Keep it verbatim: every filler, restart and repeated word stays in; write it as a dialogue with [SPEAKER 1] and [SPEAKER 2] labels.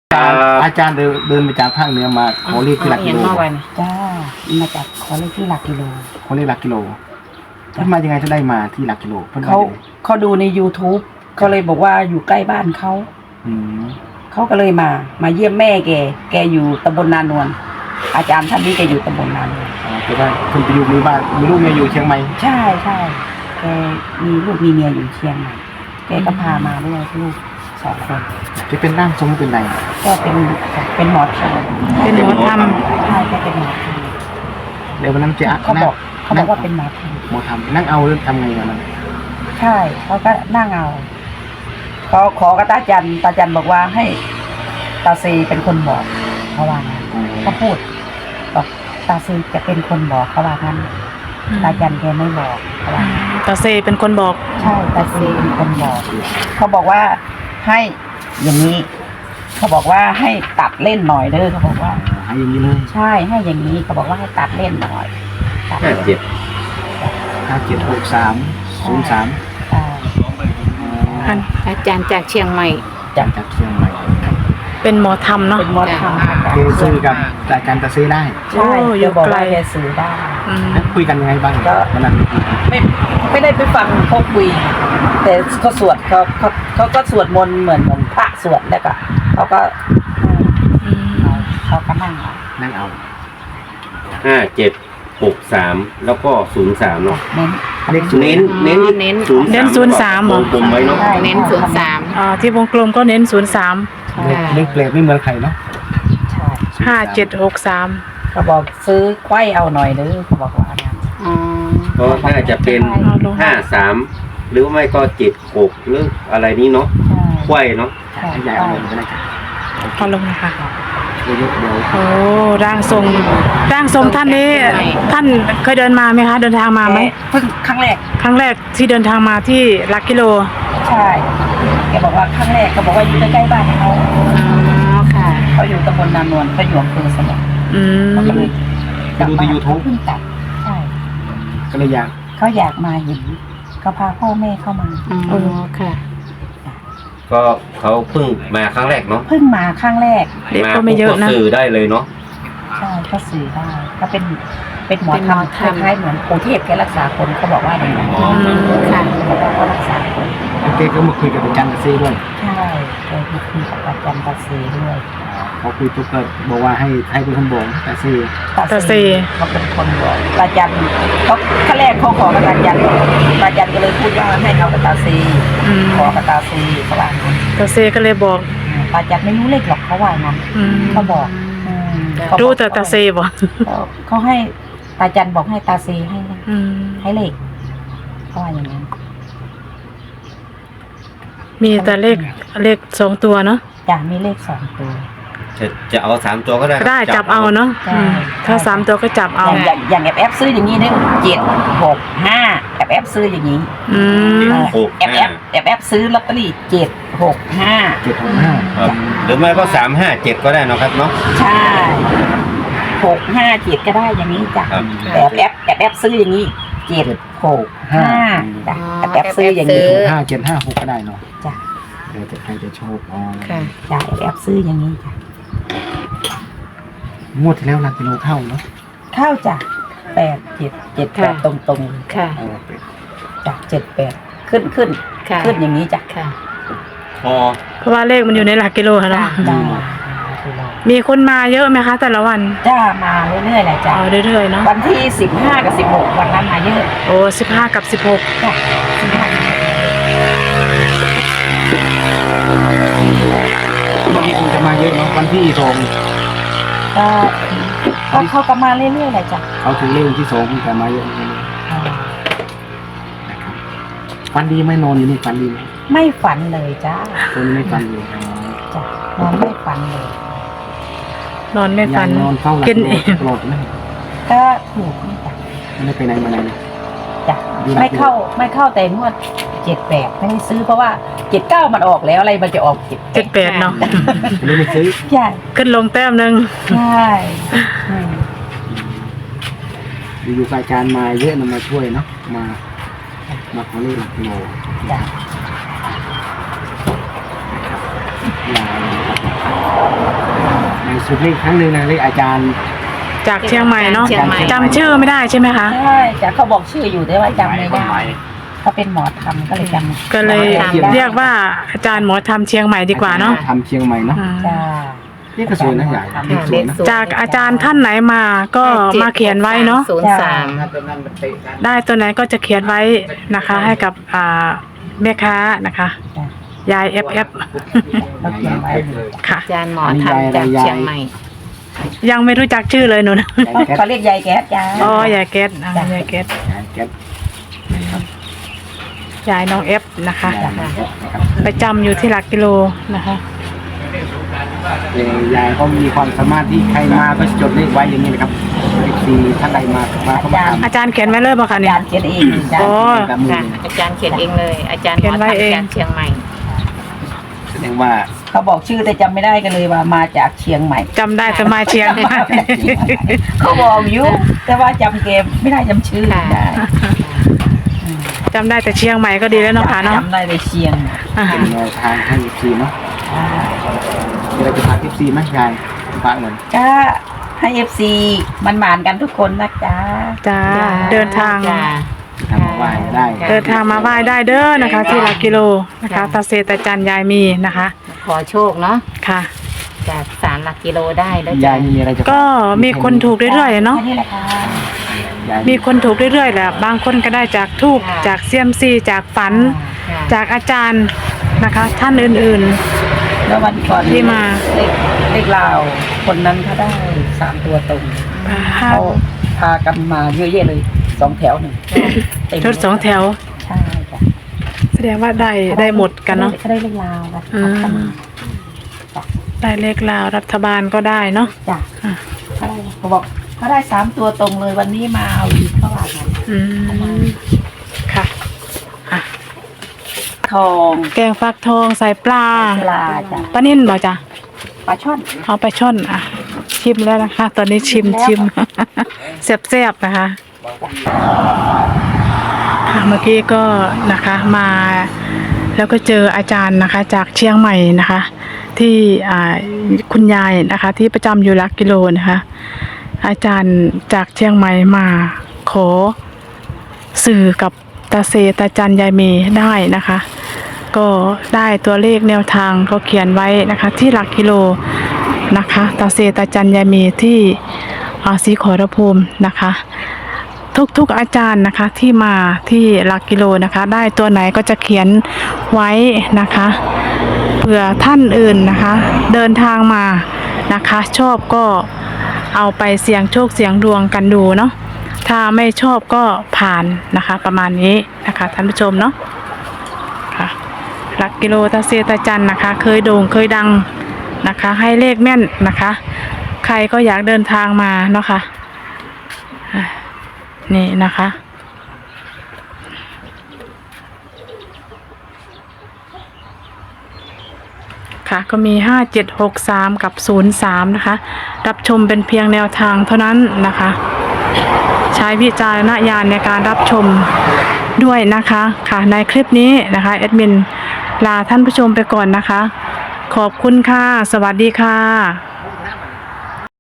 [SPEAKER 1] อาจารย์เดินเดินมาจากภาคเหนือมาขอเลขที่หลักกิโล
[SPEAKER 2] จ้ามาจากขอเลขที่หลักกิโล
[SPEAKER 1] ขอเลขหลักกิโลเพิ่นมายังไงจะได้มาที่หลักกิโลเพิ่น
[SPEAKER 2] เขาเขาดูใน YouTube เขาเลยบอกว่าอยู่ใกล้บ้านเขาเขาก็เลยมามาเยี่ยมแม่แกแกอยู่ตำบลนานวลอาจารย์ท่านนี้แกอยู่ตำบลนานวล
[SPEAKER 1] อ๋อคือว่าเพิ่นไปอยู่มีบ้านมีลูกเมียอยู่เชียงใหม่
[SPEAKER 2] ใช่ใช่แกมีลูกมีเมียอยู่เชียงใหม่แกก็พามาด้วยลูกสองคน
[SPEAKER 1] จะเป็นร่างทรงเป็นไร
[SPEAKER 2] ก็เป็นเป็นหมอธรรม
[SPEAKER 3] เป็นหมอธรรม
[SPEAKER 2] ใช่แกเป็นหมอธรรม
[SPEAKER 1] เดี๋ยววันนั้นเจ๊อะ
[SPEAKER 2] เขาบอกเขาบอกว่าเป็นหมอธรรม
[SPEAKER 1] หมอทำนั่งเอาทำไงวันนั้น
[SPEAKER 2] ใช่เขาก็นั่งเอาเขาขอกับตาจันตาจันบอกว่าให้ตาซีเป็นคนบอกเขาว่างั้นเขาพูดบอกตาซีจะเป็นคนบอกเขาว่างั้นตาจันแกไม่บอกเขาว่างั้น
[SPEAKER 3] ตาเซเป็นคนบอก
[SPEAKER 2] ใช่ตาซีเป็นคนบอก เขาบอกว่าให้อย่างนี้ เขาบอกว่าให้ตัดเล่นหน่อยเด้อเขาบอกว่า
[SPEAKER 1] ให้อย่างนี้เลย
[SPEAKER 2] ใช่ให้อย่างนี้เขาบอกว่าให้ตัดเล่นหน่อยตัด
[SPEAKER 4] ห้า
[SPEAKER 2] เล่น
[SPEAKER 4] เจ็ด
[SPEAKER 1] ห้าเจ็ดหกสามศูนย์สาม
[SPEAKER 2] ใช่
[SPEAKER 3] อัน
[SPEAKER 5] อาจารย์จากเชียงใหม่
[SPEAKER 1] จากจากเชียงใหม่
[SPEAKER 3] เป็นหมอธรรมเนาะ
[SPEAKER 2] เป็นหมอธรรม
[SPEAKER 1] เคยซื้อกับอาจารย์ตะเซได้
[SPEAKER 2] ใช่
[SPEAKER 3] โอ้อยู่
[SPEAKER 2] จะบอก
[SPEAKER 3] ไกล
[SPEAKER 2] ว่าแกสื่อได้
[SPEAKER 3] อืม
[SPEAKER 1] แล้วคุยกันยังไงบ้าง
[SPEAKER 2] ก็
[SPEAKER 1] วันนั้น
[SPEAKER 2] ไม่ไม่ได้ไปฟังเขาคุย แต่เขาสวดเขาเขาเขาก็สวดมนต์เหมือนเหมือนพระสวดแล้วก็เขาก็
[SPEAKER 3] อืม
[SPEAKER 2] เอาเขาก็นั่งเอา
[SPEAKER 1] นั่งเอา
[SPEAKER 4] ห้าเจ็ดหกสามแล้วก็ศูนย์สามเนาะ
[SPEAKER 2] เน้น
[SPEAKER 1] เลขศูนย์
[SPEAKER 4] เน้นเน้น
[SPEAKER 5] เน้น
[SPEAKER 4] ศูนย์
[SPEAKER 3] เน้นศูนย์สามเหรอ
[SPEAKER 4] วงกลมไว้เนาะ
[SPEAKER 2] ใช่
[SPEAKER 5] เน้นศูนย์สาม
[SPEAKER 3] อ่าที่วงกลมก็เน้นศูนย์สาม
[SPEAKER 1] เลขเลขเปลกไม่เหมือนใครเนาะ
[SPEAKER 2] ใช่
[SPEAKER 3] ห้าเจ็ดหกสาม
[SPEAKER 2] เขาบอกซื้อไว้เอาหน่อยเด้อเขาบอกว่านะ
[SPEAKER 5] อ๋อ
[SPEAKER 4] ก็น่าจะเป็นห้าสามหรือไม่ก็เจ็ดหกหรืออะไรนี้เนาะ
[SPEAKER 2] ใช่
[SPEAKER 4] ไขว้เนาะ
[SPEAKER 2] ใช่
[SPEAKER 1] ให้ยายเอาเลยก็ได้ครับ
[SPEAKER 3] เอาลงนะคะ
[SPEAKER 1] เดี๋ยวเดี๋ยว
[SPEAKER 3] โอ้ร่างทรงร่างทรงท่านนี้ท่านเคยเดินมาไหมคะ เดินทางมาไหม
[SPEAKER 2] เพิ่งครั้งแรก
[SPEAKER 3] ครั้งแรกที่เดินทางมาที่หลักกิโล
[SPEAKER 2] ใช่แกบอกว่าครั้งแรกเขาบอกว่าอยู่ใกล้ๆบ้านเขา
[SPEAKER 5] อ๋อค่ะ
[SPEAKER 2] เขาอยู่ตำบลนานวลเขาอยู่อำเภอสมอง
[SPEAKER 3] อืม
[SPEAKER 2] เขาก็เลย
[SPEAKER 1] ไปดูใน YouTube
[SPEAKER 2] เพิ่งกลับใช่
[SPEAKER 1] ก็เลยอยาก
[SPEAKER 2] เขาอยากมาเห็นเขาพาพ่อแม่เข้ามา
[SPEAKER 5] อ๋อค่ะ
[SPEAKER 4] ก็เขาเพิ่งมาครั้งแรกเนาะ
[SPEAKER 2] เพิ่งมาครั้งแรก
[SPEAKER 3] เด็กก็ไม่เยอะนะ
[SPEAKER 4] าปุ๊บสื่อได้เลยเนาะ
[SPEAKER 2] ใช่ก็สื่อได้ก็เป็นเป็นหมอ
[SPEAKER 5] เป็นห
[SPEAKER 2] ธร
[SPEAKER 5] ม
[SPEAKER 2] ร
[SPEAKER 5] อ
[SPEAKER 2] ม
[SPEAKER 5] ธรรม
[SPEAKER 2] คล้ายๆเหมือนปู่เทพแกรักษาคนเขาบอกว่าอย่างนั้น
[SPEAKER 4] อ๋อ
[SPEAKER 5] ค่ะ
[SPEAKER 2] เขาบอกว่าเขารักษาคน
[SPEAKER 1] แล้วเจ๊ก็มาคุยกับอาจารย์ตะเซด้วย
[SPEAKER 2] ใช่เคยมาคุยกับอาจารย์ตาซีด้วย
[SPEAKER 1] เขาคุยปุ๊บก็บอกว่าให้ให้เป็นคนบอกตะเซ
[SPEAKER 3] ตาซี
[SPEAKER 2] เขาเป็นคนบอกอาจารย์เขาขั้นแรกเขาขอกับอาจารย์อาจารย์ก็เลยพูดว่าให้เอากับตาซี
[SPEAKER 3] อืม
[SPEAKER 2] ขอกับตาซีเขาว่างั้น
[SPEAKER 3] ตาเซก็เลยบอก
[SPEAKER 2] อาจารย์ไม่รู้เลขหรอกเขาว่างั้น
[SPEAKER 3] อืม
[SPEAKER 2] เขาบอกอืมเขาบอก
[SPEAKER 3] รู้แต่ตาเซบอก
[SPEAKER 2] เขาเขาให้อาจารย์บอกให้ตาซีให้
[SPEAKER 3] อืม
[SPEAKER 2] ให้เลขเขาว่าอย่างนั้น
[SPEAKER 3] มีแต่เลขเลขสองตัวเนาะ
[SPEAKER 2] จ้ะมีเลขสองตัว
[SPEAKER 4] จะจะเอาสามตัวก็ได้
[SPEAKER 3] ได้จับเอาเนาะอืมถ้าสามตัวก็จับเอา
[SPEAKER 2] อย่างอย่างอย่างแอบแอบซื้ออย่างนี้เนี่ยเจ็ดหกห้าแอบแอบซื้ออย่างนี้
[SPEAKER 3] อืม
[SPEAKER 4] หก
[SPEAKER 2] แอบแอ
[SPEAKER 4] ห้า
[SPEAKER 2] บแอบแอบซื้อลอตเตอรี่เจ็ดหกห้า
[SPEAKER 1] เจ็ดหกห้า
[SPEAKER 4] ครับหรือไม่ก็สามห้าเจ็ดก็ได้เนาะครับเนาะ
[SPEAKER 2] ใช่หกห้าเจ็ดก็ได้อย่างนี้จ้ะ
[SPEAKER 4] ครับ
[SPEAKER 2] แต่แอบแอบแอบแอบซื้ออย่างนี้เจ็ดหกห้าจ้ะแอบแอบซื้ออย่างนี้
[SPEAKER 5] เออ
[SPEAKER 1] ห้าเจ็ดห้าหกก็ได้เนาะ
[SPEAKER 2] จ้ะ
[SPEAKER 1] เดี๋ยวแต่ใครจะโชคอ๋อ
[SPEAKER 5] ค่ะ
[SPEAKER 2] จ้ะแอบแอบซื้ออย่างนี้จ้ะ
[SPEAKER 1] งวดที่แล้วหลักกิโลเข้าเนาะ
[SPEAKER 2] เข้าจ้ะแปดเจ็ดเจ็ดแปด
[SPEAKER 5] ค่ะ
[SPEAKER 2] ตรงตรง
[SPEAKER 5] ค่ะ
[SPEAKER 1] เอาไป
[SPEAKER 2] ๆจ้ะเจ็ดแปดขึ้นขึ้น
[SPEAKER 5] ค่ะ
[SPEAKER 2] ขึ้นอย่างนี้จ้ะ
[SPEAKER 5] ค่ะ
[SPEAKER 4] พอ
[SPEAKER 3] เพราะว่าเลขมันอยู่ในหลักกิโลค่ะเนาะ
[SPEAKER 2] จ้ะ
[SPEAKER 3] มีคนมาเยอะไหมคะ แต่ละวัน
[SPEAKER 2] จ้ามาเรื่อยๆแหละจ้ะ
[SPEAKER 3] เอาเรื่อยๆเนาะ
[SPEAKER 2] วันที่สิบห้ากับสิบหกวันนั้นมาเยอะ
[SPEAKER 3] โอ้สิบห้ากับสิบหก
[SPEAKER 2] จ้ะสิบห้า
[SPEAKER 1] วันนี้คงจะมาเยอะเนาะวันที่สอง
[SPEAKER 2] ก็ก็เขาก็มาเรื่อยๆแหละจ้ะ
[SPEAKER 1] เขาถึงเลขที่สองแต่มาเยอะนะครับฟันดีไหมนอนอยู่นี่ฟันดีไหม
[SPEAKER 2] ไม่ฝันเลยจ้า
[SPEAKER 1] ตัวนี้ไม่ฟันเลย
[SPEAKER 2] จ้ะนอนไม่ฝันเลย
[SPEAKER 3] นอนไม่ฟัน
[SPEAKER 1] ยังนอนเฝ้าหลับ
[SPEAKER 3] กินเอง
[SPEAKER 1] ตลอดไหม
[SPEAKER 2] ก็ถูกนี่จ้ะ
[SPEAKER 1] ไม่ได้ไปไหนมาไหนเลย
[SPEAKER 2] จ้ะ
[SPEAKER 1] อยู่หลัก
[SPEAKER 2] ไม่เข้าไม่เข้าแต่งวดเจ็ดแปดไม่ได้ซื้อเพราะว่าเจ็ดเก้ามันออกแล้วอะไรมันจะออกเจ็ด
[SPEAKER 3] เจ็ดแปดเนาะ
[SPEAKER 1] ไม่ได้ซื้อ
[SPEAKER 2] ใช่
[SPEAKER 3] ขึ้นลงแต้มหนึ่ง
[SPEAKER 2] ใช่อืม
[SPEAKER 1] อยู่ๆรายการมาเยอะนะมาช่วยเนาะมามาขอเลขหลักกิโล
[SPEAKER 2] จ้ะ
[SPEAKER 1] ลาเลยนะครับสุดเลขครั้งหนึ่งนะเลขอาจารย์
[SPEAKER 3] จากเชียงใหม่เนาะ
[SPEAKER 5] เชียงใหม่
[SPEAKER 3] จำชื่อไม่ได้ใช่ไหมคะ
[SPEAKER 2] ใช่จ้ะเขาบอกชื่ออยู่แต่ว่าจำไม่ได้เขาเป็นหมอธรรมก็เลยจำ
[SPEAKER 3] ก็เลย
[SPEAKER 2] จำได้
[SPEAKER 3] เรียกว่าอาจารย์หมอทำเชียงใหม่ดีกว่าเนาะ
[SPEAKER 1] ทำเชียงใหม่เนาะ
[SPEAKER 3] อ่า
[SPEAKER 2] จ้า
[SPEAKER 1] นี่ก็สวยนะใหญ่เลขสวยนะ
[SPEAKER 3] จากอาจารย์ท่านไหนมาก็มาเขียนไว้เนาะ
[SPEAKER 5] ศูนย์สาม
[SPEAKER 3] ได้ตัวไหนก็จะเขียนไว้นะคะ ให้กับอ่าแม่ค้านะคะ
[SPEAKER 2] จ้ะ
[SPEAKER 3] ยาย เอฟ เอฟ
[SPEAKER 2] เราเขียนไว้เลย
[SPEAKER 3] ค่ะ
[SPEAKER 5] อาจารย์หมอทำจากเชียงใหม่
[SPEAKER 3] ยังไม่รู้จักชื่อเลยหนูนะ
[SPEAKER 1] ยายแก๊ส
[SPEAKER 2] เขาเรียกยายแก๊สจ้า
[SPEAKER 3] อ๋อยายเกตอ่ายายเกต
[SPEAKER 1] ยายแก๊ส
[SPEAKER 3] ยายน้องเอฟนะคะ
[SPEAKER 1] ยายแก๊สนะครับ
[SPEAKER 3] ไปจำอยู่ที่หลักกิโลนะคะ
[SPEAKER 1] เอ่อยายก็มีความสามารถที่ใครมาก็จดเลขไว้อย่างนี้นะครับเลขสี่ท่านใดมามาเข้ามา
[SPEAKER 3] อาจารย์เขียนไว้เลยป่ะคะ
[SPEAKER 2] อา
[SPEAKER 3] เนี่ย
[SPEAKER 2] จารย์เขียนเองจ้า
[SPEAKER 3] โอ้
[SPEAKER 1] ทำกับมือ
[SPEAKER 5] ค่ะ อาจารย์เขียนเองเลย อาจารย์หมอ
[SPEAKER 3] เขียนไว้
[SPEAKER 5] ทำ
[SPEAKER 3] เอง
[SPEAKER 5] จากเชียงใหม่
[SPEAKER 1] แสดงว่า
[SPEAKER 2] เขาบอกชื่อแต่จำไม่ได้กันเลยว่ามาจากเชียงใหม่
[SPEAKER 3] จำได้แต่มาเชียงใหม่
[SPEAKER 2] เขาบอกอยู่แต่ว่าจำเกมไม่ได้จำชื่อ
[SPEAKER 5] ค่ะ
[SPEAKER 2] ได้
[SPEAKER 3] จำได้แต่เชียงใหม่ก็ดีแล้วเนาะค่ะเนาะ
[SPEAKER 2] จำได้แต่เชียง
[SPEAKER 3] อ่า
[SPEAKER 1] เป็นแนวทางให้ เอฟ ซี เนาะ
[SPEAKER 2] อ่า
[SPEAKER 1] มีอะไรจะฝาก เอฟ ซี ไหมยายฝากเหมือน
[SPEAKER 2] ก็ให้เอฟซีมันหมานกันทุกคนนะจ๊ะ
[SPEAKER 3] จ้าเดินทาง
[SPEAKER 5] จ้า
[SPEAKER 1] ทำมาไหว้ได้
[SPEAKER 3] เดินทางมาไหว้ได้เด้อนะคะ ที่หลักกิโลนะคะตาเซตาจันยายมีนะคะ
[SPEAKER 5] ขอโชคเนาะ
[SPEAKER 3] ค่ะ
[SPEAKER 5] จากสามหลักกิโลได้แล้ว
[SPEAKER 1] ยา
[SPEAKER 5] จ้ะ
[SPEAKER 1] ยมีอะไรจะฝา
[SPEAKER 3] ก็มีคนถูกเรื่อยๆเนาะ
[SPEAKER 2] แค่นี้แหละค่ะ
[SPEAKER 1] ยาย
[SPEAKER 3] มีคนถูกเรื่อยๆแหละบางคนก็ได้จากทูบจากเซียมซีจากฝัน
[SPEAKER 5] ค่ะ
[SPEAKER 3] จากอาจารย์นะคะ ท่านอื่น
[SPEAKER 2] แล้ววันก่อน
[SPEAKER 3] ที่มา
[SPEAKER 2] เลขเลขลาวคนนั้นเขาได้สามตัวตรง
[SPEAKER 3] ๆ
[SPEAKER 2] เขาพากันมาเยอะแยะเลยสองแถวหนึ่งเต็ม
[SPEAKER 3] รถสองแถว
[SPEAKER 2] ใช่จ้ะ
[SPEAKER 3] แสดงว่าได้ได้หมดกันเนาะ
[SPEAKER 2] เขาได้เลขลาวกัน
[SPEAKER 3] อืม ได้เลขลาวรัฐบาลก็ได้เนาะ
[SPEAKER 2] จ้ะ
[SPEAKER 3] อ่ะ
[SPEAKER 2] เขาได้เขาบอกเขาได้สามตัวตรงเลยวันนี้มาเอาอีกเขาว่างั้น
[SPEAKER 3] อืมค่ะอ่ะ
[SPEAKER 2] ทอง
[SPEAKER 3] แกงฟักทองใส่ปลา
[SPEAKER 2] ปลาจ้ะ
[SPEAKER 3] ปลานิ่นบ่จ้ะ
[SPEAKER 2] ปลาช่อน
[SPEAKER 3] เอาไปช่อนอ่ะ ชิมแล้วนะคะ ตอนนี้ชิม
[SPEAKER 2] แล้ว
[SPEAKER 3] ชิม แซ่บๆนะคะค่ะเมื่อกี้ก็นะคะมา แล้วก็เจออาจารย์นะคะ จากเชียงใหม่นะคะ ที่อ่าคุณยายนะคะ ที่ประจำอยู่หลักกิโลนะคะ อาจารย์จากเชียงใหม่มาขอสื่อกับตาเซตาจันยายเมได้นะคะ ก็ได้ตัวเลขแนวทางเขาเขียนไว้นะคะ ที่หลักกิโลนะคะตาเซตาจันยายเมที่อาศรีขอรภูมินะคะ ทุกๆอาจารย์นะคะที่มาที่หลักกิโลนะคะ ได้ตัวไหนก็จะเขียนไว้นะคะเผื่อท่านอื่นนะคะ เดินทางมานะคะ ชอบก็เอาไปเสี่ยงโชคเสี่ยงดวงกันดูเนาะถ้าไม่ชอบก็ผ่านนะคะ ประมาณนี้นะคะท่านผู้ชมเนาะค่ะหลักกิโลตาเซตาจันนะคะ เคยโด่งเคยดังนะคะ ให้เลขแม่นนะคะ ใครก็อยากเดินทางมาเนาะค่ะอ่ะนี่นะคะ ค่ะก็มีห้าเจ็ดหกสามกับศูนย์สามนะคะ รับชมเป็นเพียงแนวทางเท่านั้นนะคะ ใช้วิจารณญาณในการรับชมด้วยนะคะค่ะในคลิปนี้นะคะแอดมินลาท่านผู้ชมไปก่อนนะคะ ขอบคุณค่ะ สวัสดีค่ะ